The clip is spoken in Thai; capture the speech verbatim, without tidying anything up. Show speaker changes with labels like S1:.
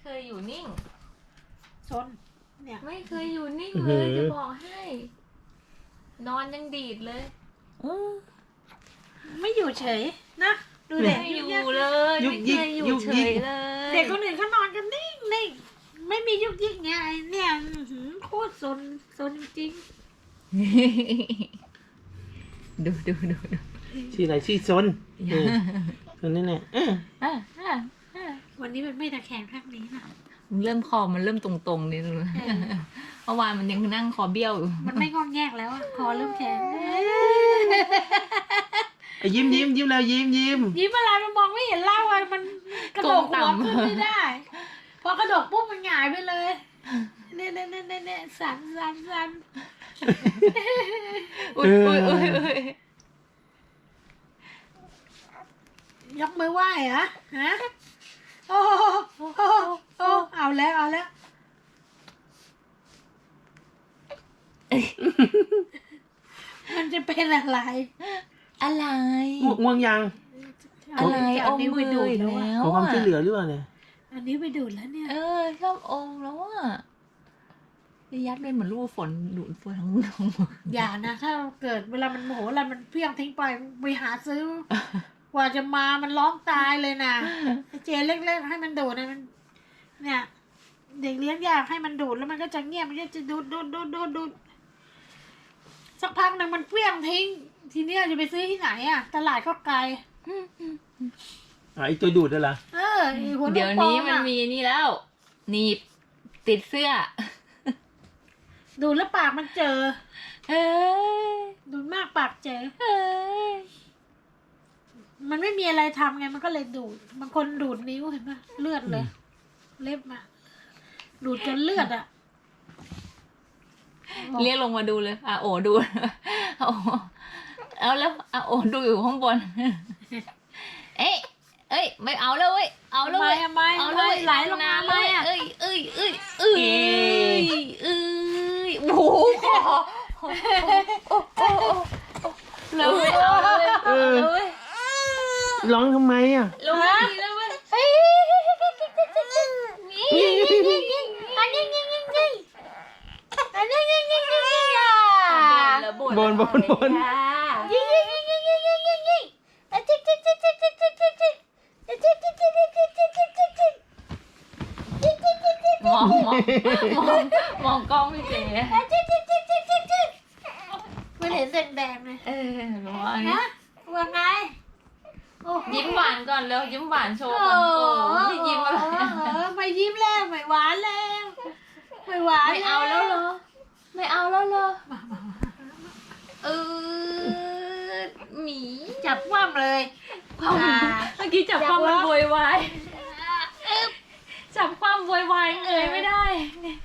S1: เคยอยู่นิ่ง
S2: ซนเนี่ย
S1: ไม่เคยอยู่นิ่งเลยจะบอกให้ นอนยังดีดเลย
S2: ไม่อยู่เฉยนะดูเด็ก
S1: ไม่อยู่เลยไม่เคยอยู่เฉยเลย
S2: เด็กคนอื่นเขานอนกันนิ่งนิ่งไม่มียุกยิกไงเนี่ยโคตรซนซนจริง
S1: ดูดูดูดู
S3: ชื่ออะไรชื่อซนเออซนนี่แหละเออ
S2: วันนี้มันไม่ตะแคงข้างนี้นะ
S1: มันเริ่มคอมันเริ่มตรงๆนี่ดูเมื่อวานมันยังนั่งคอเบี้ยวอยู่
S2: มันไม่งอนแงกแล้วอะคอเริ่มแข็ง
S3: ยิ้มยิ้มยิ้มแล้วยิ้มยิ้ม
S2: ยิ้มอะไรมันมองไม่เห็นเล่าอะมันกระโดดหัวขึ้นไม่ได้พอกระโดดปุ๊บมันหงายไปเลยเนี่ยเนี่ยเนี่ยเนี่ยสั่นสั่นสั่น
S1: อุ้ยอุ้ยอุ้ยอุ้ย
S2: ยกมือไหว้เหรอฮะโอ้โอ้โอ้เอาแล้วเอาแล้วมันจะเป็นอะไร
S1: อะไร
S3: ง่วงยัง
S1: อะไรอมมือดูดแล้ว
S3: ขอความช่วยเหลือหรือเปล่าเนี่ย
S2: อันนี้ไปดูดแล้วเนี่ย
S1: เออชอบอมแล้วอ่ะยัดเป็นเหมือนลูกฝนดูดฝนทั้งทั้งหมด
S2: อย่านะถ้าเกิดเวลามันโมโหอะไรมันเพี้ยงทิ้งไปไปหาซื้อกว่าจะมามันร้องตายเลยนะเจเล็กๆให้มันดูดนะมันเนี่ยเด็กเลี้ยงยากให้มันดูดแล้วมันก็จะเงียบมันก็จะดูดดูดดูดดูดดูดสักพักหนึ่งมันเพี้ยงทิ้งทีเนี้ยจะไปซื้อที่ไหนอ่ะตลาดก็ไกล
S3: ไอตัวดูดได้ละ
S2: เออ
S1: เดี๋ยวนี้มันมีนี่แล้วหนีบติดเสื้อ
S2: ดูดแล้วปากมันเจอ
S1: เออ
S2: ดูดมากปากเจอ
S1: เออ
S2: มันไม่มีอะไรทำไงมันก็เลยดูดบางคนดูดนิ้วเห็นไหมเลือดเลยเล็บมาดูดจนเลือดอ่ะ
S1: เรียกลงมาดูเลยอ่ะโอ้ดูโอ้เอาแล้วอ่ะโอ้ดูอยู่ข้างบนเอ๊ะเอ้ยไม่เอาแล้วเว้ยเอาแล้วเว้ย
S2: เอาเลยไหลลงมาเลยอ่ะ
S1: เอ้ยเอ้ยเอ้ยเอ้ยเอ้ยโอ้โหแล้วไม่เอาเลยเออ
S3: ร้องทำไมอ่ะ
S1: ลงมาทีแล้วเว้ย
S2: นี่อันนี้นี่นี่นี่อันนี้นี่นี่นี่อ่ะ
S3: บนบนบน
S2: ยี่ยี่ยี่ยี่ยี่ยี่ยี่ยี่จิ๊กจิ๊กจิ๊กจิ๊กจิ๊กจิ๊กจิ๊กจิ๊กจิ๊กจิ๊กจิ๊กจิ๊กจิ๊กจิ๊กจิ๊กจิ๊กจิ๊ก
S1: มองมองมองมองกล้องพี่เจ๊
S2: จิ๊กจิ๊กจิ๊กจิ๊กจิ๊กจิ๊กไม่เห็นแดงๆเลย
S1: เออว่าไง
S2: ว่าไง
S1: ยิ้มหวานก่อนแล้วยิ้มหวานโชว์ก่อนโอ้ไม่ยิ้มอะไร
S2: ไม่ยิ้มแล้วไม่หวานแล้วไม่หวาน
S1: ไม่เอาแล้วเหรอไม่เอาแล้วเหรอเออหมี
S2: จับคว่ำเลย
S1: เมื่อกี้จับคว่ำมันโวยวายจับคว่ำโวยวายเอ่ยไม่ได้